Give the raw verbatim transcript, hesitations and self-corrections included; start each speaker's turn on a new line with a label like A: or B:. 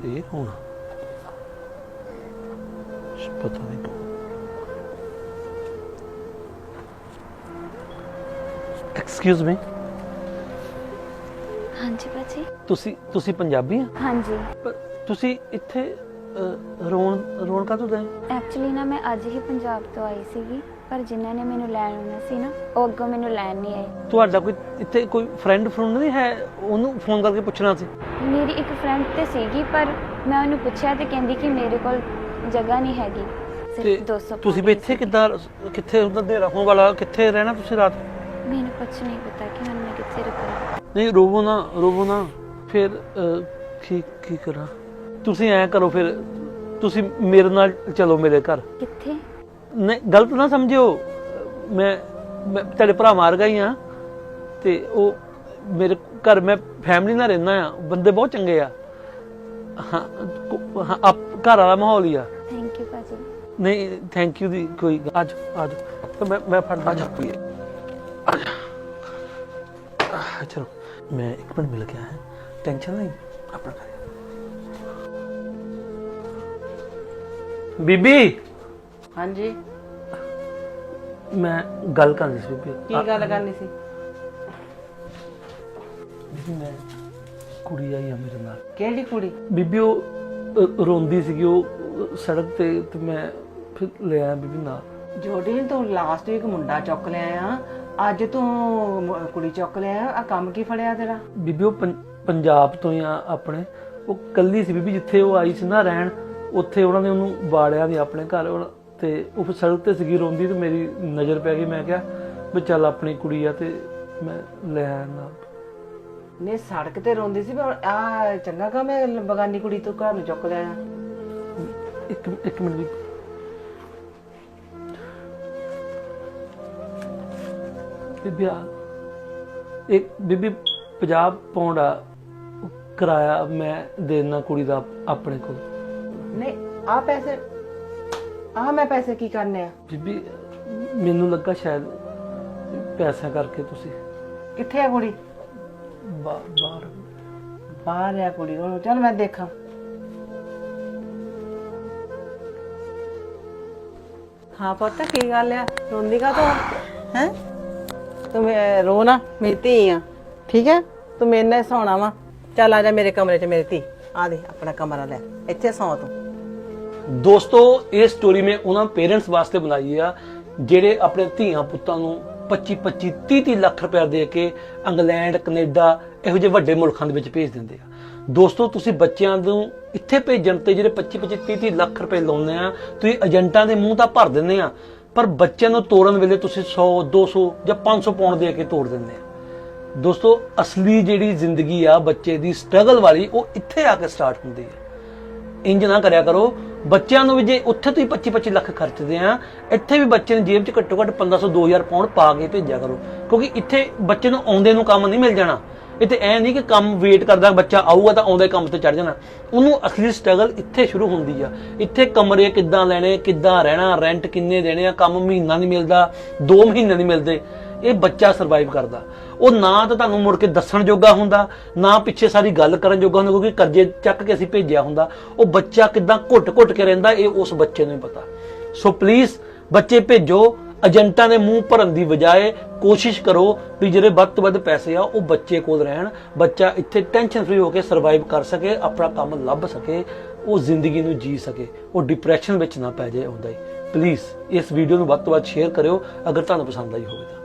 A: ये होना पता नहीं कौन। एक्सक्यूज मी,
B: हाँ जी भाजी।
A: ਤੁਸੀਂ ਤੁਸੀਂ ਪੰਜਾਬੀ ਆ?
B: हाँ जी।
A: ਪਰ ਤੁਸੀਂ ਇੱਥੇ ਰੋਣ ਰੋਣ ਕਾਹਤੋਂ ਗਏ?
B: ਐਕਚੁਅਲੀ ਨਾ ਮੈਂ ਅੱਜ ਹੀ ਪੰਜਾਬ ਤੋਂ ਆਈ ਸੀਗੀ, ਪਰ ਜਿਨ੍ਹਾਂ ਨੇ ਮੈਨੂੰ ਲੈਣ ਆਉਣਾ ਸੀ ਨਾ ਉਹ ਅੱਗੋਂ ਮੈਨੂੰ ਲੈਣ ਨਹੀਂ ਆਏ।
A: ਤੁਹਾਡਾ ਕੋਈ ਇੱਥੇ ਕੋਈ ਫਰੈਂਡ ਫਰੁੰਡ ਨਹੀਂ ਹੈ? ਉਹਨੂੰ ਫੋਨ ਕਰਕੇ ਪੁੱਛਣਾ ਸੀ।
B: ਮੇਰੀ ਇੱਕ ਫਰੈਂਡ ਤੇ ਸੀਗੀ, ਪਰ ਮੈਂ ਉਹਨੂੰ ਪੁੱਛਿਆ ਤੇ ਕਹਿੰਦੀ ਕਿ ਮੇਰੇ ਕੋਲ ਜਗ੍ਹਾ ਨਹੀਂ ਹੈਗੀ,
A: ਤੇ
B: ਸਿਰਫ ਦੋ ਸੌ।
A: ਤੁਸੀਂ ਵੀ ਇੱਥੇ ਕਿੱਦਾਂ, ਕਿੱਥੇ ਉਹਦਾ ਹਨੇਰਾ ਹੋਣ ਵਾਲਾ, ਕਿੱਥੇ ਰਹਿਣਾ ਤੁਸੀਂ ਰਾਤ?
B: ਮੈਨੂੰ ਕੁਝ ਨਹੀਂ ਪਤਾ ਕਿ ਹੁਣ ਮੈਂ ਕਿੱਥੇ ਰੁਕਾਂ।
A: ਨਹੀਂ ਰੋਵੋ ਨਾ, ਰੋਵੋ ਨਾ। ਫਿਰ ਅਹ, ਕੀ ਕੀ ਕਰਾਂ? ਤੁਸੀਂ ਐਂ ਕਰੋ, ਫਿਰ ਤੁਸੀਂ ਮੇਰੇ ਨਾਲ ਚਲੋ ਮੇਰੇ ਘਰ।
B: ਕਿੱਥੇ?
A: ਨਹੀਂ ਗਲਤ ਨਾ ਸਮਝਿਓ, ਮੈਂ ਮੈਂ ਤੁਹਾਡੇ ਭਰਾ ਮਾਰ ਗਈ ਆ ਤੇ ਉਹ ਮੇਰੇ ਘਰ ਮੈਂ ਫੈਮਿਲੀ ਨਾਲ ਰਹਿੰਦਾ ਆ, ਬੰਦੇ ਬਹੁਤ ਚੰਗੇ ਆ। ਹਾਂ ਹਾਂ, ਆਪ ਘਰ ਵਾਲਾ ਮਾਹੌਲ ਹੀ ਆ।
B: ਥੈਂਕ ਯੂ ਭਾਜੀ।
A: ਨਹੀਂ ਥੈਂਕ ਯੂ ਦੀ ਕੋਈ ਗੱਲ- ਆ ਜਾਓ ਆ ਜਾਓ, ਮੈਂ ਮੈਂ ਫੜ ਆ ਜਾ ਪੀਏ ਆ ਜਾ। ਆਹ, ਚਲੋ ਮੈਂ ਇੱਕ ਮਿੰਟ ਮਿਲ ਗਿਆ ਹੈ, ਟੈਨਸ਼ਨ ਨਹੀਂ ਆਪਣਾ ਕਰ। ਬੀਬੀ
C: हाँ जी,
A: ਮੈਂ ਗੱਲ ਕਰਨੀ ਸੀ ਬੀਬੀ।
C: की गल करनी सी?
A: ਬੀਬੀ ਮੈਂ ਕੁੜੀ ਆਈ ਆ ਮੇਰੇ ਨਾਲ।
C: केड़ी कुड़ी?
A: ਬੀਬੀ ਉਹ ਅ, ਰੋਂਦੀ ਸੀਗੀ ਉਹ ਅ, ਸੜਕ ਤੇ ਤੇ ਮੈਂ ਫਿਰ ਲੈ ਆਇਆ ਬੀਬੀ ਨਾਲ।
C: जोड़ी तू लास्ट वीक मुंडा चुक लिया, अज तू म- कुड़ी चुक लिया, आ काम की फड़िया तेरा?
A: ਬੀਬੀ ਉਹ ਪੰ- ਪੰਜਾਬ ਤੋਂ ਹੀ ਆ ਆਪਣੇ। ਉਹ ਕੱਲੀ ਸੀ ਬੀਬੀ, ਜਿੱਥੇ ਉਹ ਆਈ ਸੀ ਨਾ ਰਹਿਣ, ਉੱਥੇ ਉਹਨਾਂ ਨੇ ਉਹਨੂੰ ਬਾੜਿਆ ਨਹੀਂ ਆਪਣੇ ਘਰ। ਉਹ- ਤੇ ਉਹ ਫਿਰ ਸੜਕ ਤੇ ਸੀਗੀ ਰੋਂਦੀ, ਤੇ ਮੇਰੀ ਨਜ਼ਰ ਪੈ ਗਈ। ਮੈਂ ਕਿਹਾ ਵੀ ਚੱਲ ਆਪਣੀ ਕੁੜੀ ਆ ਤੇ ਮੈਂ ਲੈ ਆਇਆ ਨਾਲ।
C: ने सड़क ते रोंदी सी, पर आ चंगा काम है बगानी कुड़ी तू घर नूं चुक लिया।
A: ਇੱਕ ਇੱਕ ਮਿੰਟ ਬੀਬੀ। ਬੀਬੀ ਆ ਇੱਕ ਬੀਬੀ ਪੰਜਾਹ ਪੌਂਡ ਆ ਉਹ ਕਿਰਾਇਆ ਮੈਂ ਦੇਣਾ ਕੁੜੀ ਦਾ ਆਪਣੇ ਕੋਲ।
C: नहीं आ पैसे, आ मैं पैसे की करने आ?
A: ਬੀਬੀ ਮੈਨੂੰ ਲੱਗਾ ਸ਼ਾਇਦ ਪੈਸਿਆਂ ਕਰਕੇ ਤੁਸੀਂ
C: कित्थे है कुड़ी?
A: ਬਾ- ਬਾਹਰ।
C: बाहर है कुड़ी, हुण चल मैं देखा। हाँ पुत्त की गल है, रोंदी का तो है? तू मैं- रो ना, मेरी धी आ, ठीक है? तू मेरे नाल सोना वा। चल आ जा मेरे कमरे च मेरी धी, आ दे अपना कमरा ले, इत्थे सौ तू।
A: ਦੋਸਤੋ ਇਹ ਸਟੋਰੀ ਮੈਂ ਉਹਨਾਂ ਪੇਰੈਂਟਸ ਵਾਸਤੇ ਬਣਾਈ ਆ ਜਿਹੜੇ ਆਪਣੇ ਧੀਆਂ ਪੁੱਤਾਂ ਨੂੰ ਪੱਚੀ ਪੱਚੀ ਤੀਹ ਤੀਹ ਲੱਖ ਰੁਪਏ ਦੇ ਕੇ ਇੰਗਲੈਂਡ ਕੈਨੇਡਾ ਇਹੋ ਜਿਹੇ ਵੱਡੇ ਮੁਲਕਾਂ ਦੇ ਵਿੱਚ ਭੇਜ ਦਿੰਦੇ ਆ। ਦੋਸਤੋ ਤੁਸੀਂ ਬੱਚਿਆਂ ਨੂੰ ਇੱਥੇ ਭੇਜਣ ਤੇ ਜਿਹੜੇ ਪੱਚੀ ਪੱਚੀ ਤੀਹ ਤੀਹ ਲੱਖ ਰੁਪਏ ਲਾਉਂਦੇ ਆ, ਤੁਸੀਂ ਏਜੰਟਾਂ ਦੇ ਮੂੰਹ ਤਾਂ ਭਰ ਦਿੰਦੇ ਆ, ਪਰ ਬੱਚਿਆਂ ਨੂੰ ਤੋੜਨ ਵੇਲੇ ਤੁਸੀਂ ਸੌ ਦੋ ਸੌ ਜਾਂ ਪੰਜ ਸੌ ਪਾਉਂਡ ਦੇ ਕੇ ਤੋੜ ਦਿੰਦੇ ਆ। ਦੋਸਤੋ ਅਸਲੀ ਜਿਹੜੀ ਜ਼ਿੰਦਗੀ ਆ ਬੱਚੇ ਦੀ ਸਟਰਗਲ ਵਾਲੀ, ਉਹ ਇੱਥੇ ਆ ਕੇ ਸਟਾਰਟ ਹੁੰਦੀ ਹੈ। ਇੰਜ ਨਾ ਕਰਿਆ ਕਰੋ। ਬੱਚਿਆਂ ਨੂੰ ਵੀ ਜੇ ਉੱਥੇ ਤੁਸੀਂ ਪੱਚੀ ਪੱਚੀ ਲੱਖ ਖਰਚਦੇ ਆ, ਇੱਥੇ ਵੀ ਬੱਚੇ ਨੂੰ ਜੇਬ 'ਚ ਘੱਟੋ ਘੱਟ ਪੰਦਰਾਂ ਸੌ ਦੋ ਹਜ਼ਾਰ ਪਾਉਂਡ ਪਾ ਕੇ ਭੇਜਿਆ ਕਰੋ, ਕਿਉਂਕਿ ਇੱਥੇ ਬੱਚੇ ਨੂੰ ਆਉਂਦੇ ਨੂੰ ਕੰਮ ਨਹੀਂ ਮਿਲ ਜਾਣਾ। ਇੱਥੇ ਐ ਨਹੀਂ ਕਿ ਕੰਮ ਵੇਟ ਕਰਦਾ ਬੱਚਾ ਆਊਗਾ ਤਾਂ ਆਉਂਦੇ ਕੰਮ ਤੇ ਚੜ ਜਾਣਾ। ਉਹਨੂੰ ਅਸਲੀ ਸਟਰਗਲ ਇੱਥੇ ਸ਼ੁਰੂ ਹੁੰਦੀ ਆ। ਇੱਥੇ ਕਮਰੇ ਕਿੱਦਾਂ ਲੈਣੇ, ਕਿੱਦਾਂ ਰਹਿਣਾ, ਰੈਂਟ ਕਿੰਨੇ ਦੇਣੇ ਆ, ਕੰਮ ਮਹੀਨਾ ਨਹੀਂ ਮਿਲਦਾ, ਦੋ ਮਹੀਨੇ ਨਹੀਂ ਮਿਲਦੇ, ਇਹ ਬੱਚਾ ਸਰਵਾਈਵ ਕਰਦਾ। ਉਹ ਨਾ ਤਾਂ ਤੁਹਾਨੂੰ ਮੁੜ ਕੇ ਦੱਸਣ ਜੋਗਾ ਹੁੰਦਾ, ਨਾ ਪਿੱਛੇ ਸਾਰੀ ਗੱਲ ਕਰਨ ਜੋਗਾ ਹੁੰਦਾ, ਕਿਉਂਕਿ ਕਰਜ਼ੇ ਚੱਕ ਕੇ ਅਸੀਂ ਭੇਜਿਆ ਹੁੰਦਾ। ਉਹ ਬੱਚਾ ਕਿੱਦਾਂ ਘੁੱਟ-ਘੁੱਟ ਕੇ ਰਹਿੰਦਾ, ਇਹ ਉਸ ਬੱਚੇ ਨੂੰ ਹੀ ਪਤਾ। ਸੋ ਪਲੀਜ਼ ਬੱਚੇ ਭੇਜੋ, ਏਜੰਟਾਂ ਦੇ ਮੂੰਹ ਭਰਨ ਦੀ ਬਜਾਏ ਕੋਸ਼ਿਸ਼ ਕਰੋ ਵੀ ਜਿਹੜੇ ਵੱਧ ਤੋਂ ਵੱਧ ਪੈਸੇ ਆ ਉਹ ਬੱਚੇ ਕੋਲ ਰਹਿਣ। ਬੱਚਾ ਇੱਥੇ ਟੈਨਸ਼ਨ ਫ੍ਰੀ ਹੋ ਕੇ ਸਰਵਾਈਵ ਕਰ ਸਕੇ, ਆਪਣਾ ਕੰਮ ਲੱਭ ਸਕੇ, ਉਹ ਜ਼ਿੰਦਗੀ ਨੂੰ ਜੀ ਸਕੇ, ਉਹ ਡਿਪਰੈਸ਼ਨ ਵਿੱਚ ਨਾ ਪੈ ਜਾਏ ਆਉਂਦਾ ਹੀ। ਪਲੀਜ਼ ਇਸ ਵੀਡੀਓ ਨੂੰ ਵੱਧ ਤੋਂ ਵੱਧ ਸ਼ੇਅਰ ਕਰਿਓ ਅਗਰ ਤੁਹਾਨੂੰ ਪਸੰਦ ਆਈ ਹੋਵੇ ਤਾਂ।